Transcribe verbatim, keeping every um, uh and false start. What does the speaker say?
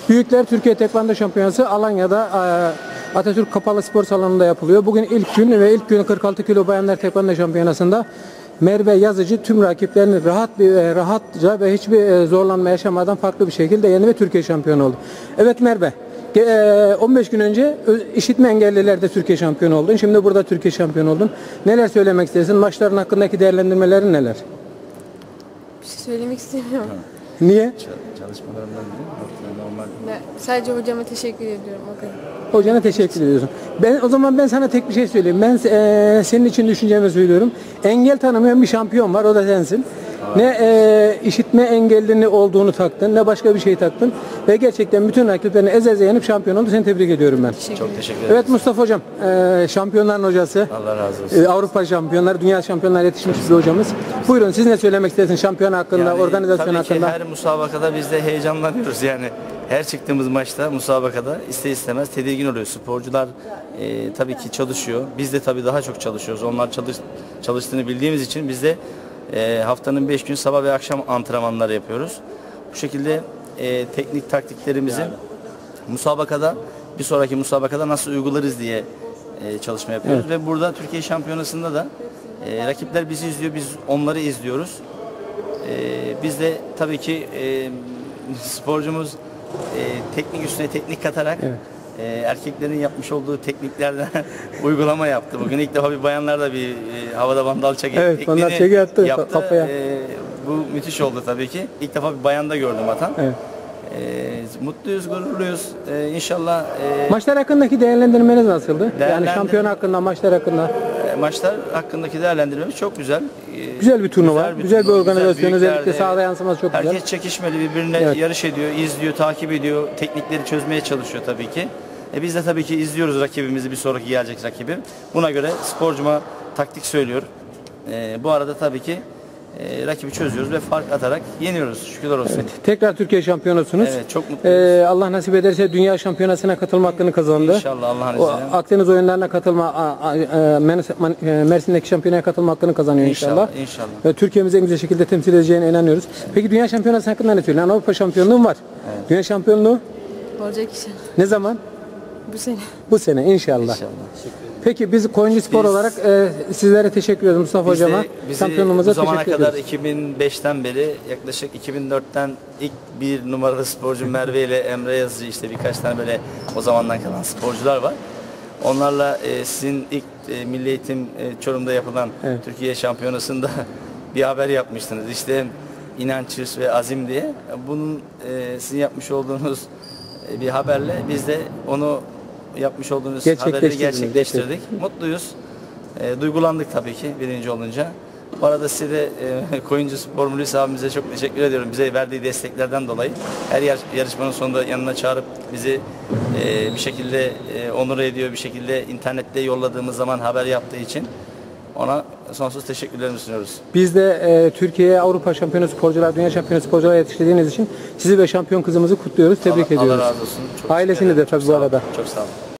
Büyükler Türkiye Tekvando Şampiyonası Alanya'da Atatürk Kapalı Spor Salonu'nda yapılıyor. Bugün ilk gün ve ilk gün kırk altı kilo Bayanlar Tekvando Şampiyonası'nda Merve Yazıcı tüm rakiplerini rahat bir rahatça ve hiçbir zorlanma yaşamadan farklı bir şekilde yendi ve Türkiye şampiyonu oldu. Evet Merve, on beş gün önce işitme engellilerde Türkiye şampiyonu oldun. Şimdi burada Türkiye şampiyonu oldun. Neler söylemek istersin? Maçların hakkındaki değerlendirmelerin neler? Bir şey söylemek istemiyorum. Niye? Çalışmalarından biri normal. Ben sadece hocama teşekkür ediyorum. O kadar. Hocana teşekkür ediyorsun. Ben o zaman ben sana tek bir şey söyleyeyim. Ben e, senin için düşüncemi söylüyorum. Engel tanımayan bir şampiyon var. O da sensin. Evet. Ne e, işitme engellini olduğunu taktın, ne başka bir şey taktın. Ve gerçekten bütün rakiplerini eze eze yenip şampiyon oldu. Seni tebrik ediyorum ben. Teşekkür Çok teşekkür ederim. Evet Mustafa Hocam, e, şampiyonların hocası. Allah razı olsun. E, Avrupa şampiyonları, dünya şampiyonları yetişmiş bir hocamız. Buyurun siz ne söylemek istersiniz şampiyon hakkında, Yani, organizasyon tabii hakkında? Tabii ki her musabakada biz de heyecanlanıyoruz yani. Her çıktığımız maçta, musabakada ister istemez tedirgin oluyor. Sporcular e, tabii ki çalışıyor. Biz de tabii daha çok çalışıyoruz. Onlar çalış, çalıştığını bildiğimiz için biz de e, haftanın beş gün sabah ve akşam antrenmanları yapıyoruz. Bu şekilde e, teknik taktiklerimizi yani. musabakada, bir sonraki musabakada nasıl uygularız diye e, çalışma yapıyoruz. Evet. Ve burada Türkiye Şampiyonası'nda da e, rakipler bizi izliyor, biz onları izliyoruz. E, biz de tabii ki e, sporcumuz e, teknik üstüne teknik katarak evet. e, erkeklerin yapmış olduğu tekniklerden uygulama yaptı. Bugün ilk defa bir bayanlar da bir e, havada bandal çeki evet, bandal çeki attı, yaptı. Kafaya. E, bu müthiş oldu tabii ki. İlk defa bir bayanda gördüm atan. Evet. E, mutluyuz, gururluyuz. E, inşallah. E, maçlar hakkındaki değerlendirmeniz nasıldı? Değerlendir yani şampiyon hakkında, maçlar hakkında. E, maçlar hakkındaki değerlendirmemiz çok güzel. E, güzel bir turnuva, güzel bir, güzel bir organizasyon, güzel, özellikle sahada yansıması çok herkes güzel. Herkes çekişmeli, birbirine evet. yarış ediyor, izliyor, takip ediyor, teknikleri çözmeye çalışıyor tabii ki. E, biz de tabii ki izliyoruz rakibimizi, bir sonraki gelecek rakibi. Buna göre sporcuma taktik söylüyor. E, bu arada tabii ki E, rakibi çözüyoruz ve fark atarak yeniyoruz. Şükürler olsun. Evet, tekrar Türkiye şampiyonusunuz. Evet, çok mutluyuz. Ee, Allah nasip ederse dünya şampiyonasına katılma hakkını kazandı. İnşallah Allah'ın izniyle. Akdeniz oyunlarına katılma, a, a, a, Mersin'deki şampiyonaya katılma hakkını kazanıyor inşallah. İnşallah. inşallah. Ve Türkiye'mizi en güzel şekilde temsil edeceğine inanıyoruz. Evet. Peki dünya şampiyonası hakkında ne söylüyorsun? Avrupa şampiyonluğu var. Evet. Dünya şampiyonluğu? Olacak inşallah. Ne zaman? Bu sene. Bu sene inşallah. İnşallah. Peki biz Koyuncu Spor biz, olarak e, sizlere teşekkür ediyoruz Mustafa biz Hocama. De, bizi Şampiyonluğumuza bu zamana teşekkür kadar ediyoruz. iki bin beşten beri yaklaşık iki bin dörtten ilk bir numaralı sporcu Merve ile Emre Yazıcı, işte birkaç tane böyle o zamandan kalan sporcular var. Onlarla e, sizin ilk e, Milli Eğitim e, Çorum'da yapılan evet. Türkiye Şampiyonası'nda bir haber yapmıştınız. İşte inanç, hırs ve azim diye. Bunun e, sizin yapmış olduğunuz e, bir haberle biz de onu yapmış olduğunuz haberleri gerçekleştirdik. Mutluyuz. E, duygulandık tabii ki birinci olunca. Bu arada size de e, Koyuncu Spor Müdürü abimize çok teşekkür ediyorum. Bize verdiği desteklerden dolayı. Her yar yarışmanın sonunda yanına çağırıp bizi e, bir şekilde e, onur ediyor. Bir şekilde internette yolladığımız zaman haber yaptığı için ona sonsuz teşekkürlerimi sunuyoruz. Biz de e, Türkiye'ye Avrupa şampiyonu sporcular, dünya şampiyonu sporcular yetiştirdiğiniz için sizi ve şampiyon kızımızı kutluyoruz. Tebrik Allah, ediyoruz. Allah razı olsun. Çok ailesini de tabii bu arada. Çok sağ olun.